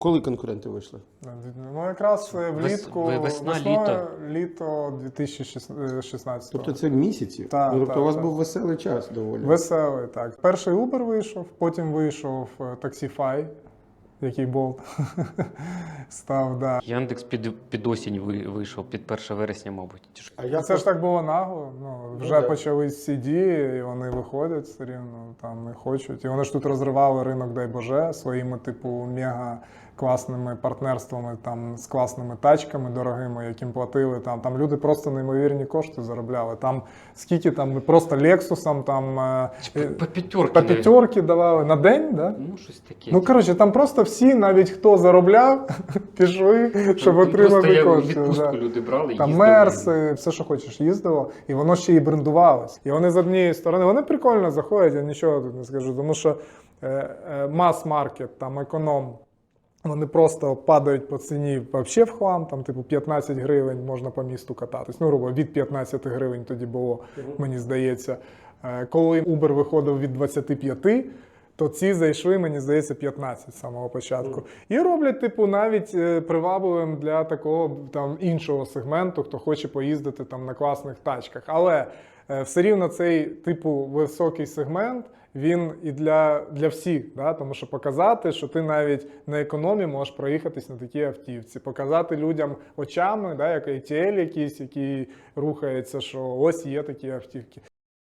Коли конкуренти вийшли? Ну, якраз влітку, весна, літо 2016 Тобто це місяці? Так, Тобто так, у вас так. був веселий час доволі. Веселий, так. Перший Uber вийшов, потім вийшов Taxify, який Bolt став, да. Яндекс під осінь вийшов, під 1 вересня, мабуть. Чи ж? А я Це ж так було нагло. Ну, вже да. почались ці дії, і вони виходять все рівно, там і хочуть. І вони ж тут розривали ринок, дай Боже, своїми, типу, мега класними партнерствами, там, з класними тачками дорогими, яким платили. Там люди просто неймовірні кошти заробляли. Там скільки там просто Лексусам, там По п'ятерки. по п'ятерки давали на день, да? Ну, щось таке. Ну, коротше, там просто всі, навіть хто заробляв, пішли, щоб Там отримати просто кошти. відпустку Да. люди брали, Там їздили. мерси, все, що хочеш, їздило, і воно ще й брендувалось. І вони з однієї сторони, вони прикольно заходять, я нічого тут не скажу, тому що мас-маркет, там економ, вони просто падають по ціні взагалі в хлам, там типу 15 гривень можна по місту кататись. Ну, грубо, від 15 гривень тоді було, мені здається. Коли Uber виходив від 25, то ці зайшли, мені здається, 15 з самого початку. І роблять, типу, навіть привабливим для такого там іншого сегменту, хто хоче поїздити там на класних тачках. Але все рівно цей, типу, високий сегмент, він і для всіх, да? Тому що показати, що ти навіть на економі можеш проїхатись на такій автівці, показати людям очами, да, як ATL якийсь, який рухається, що ось є такі автівки.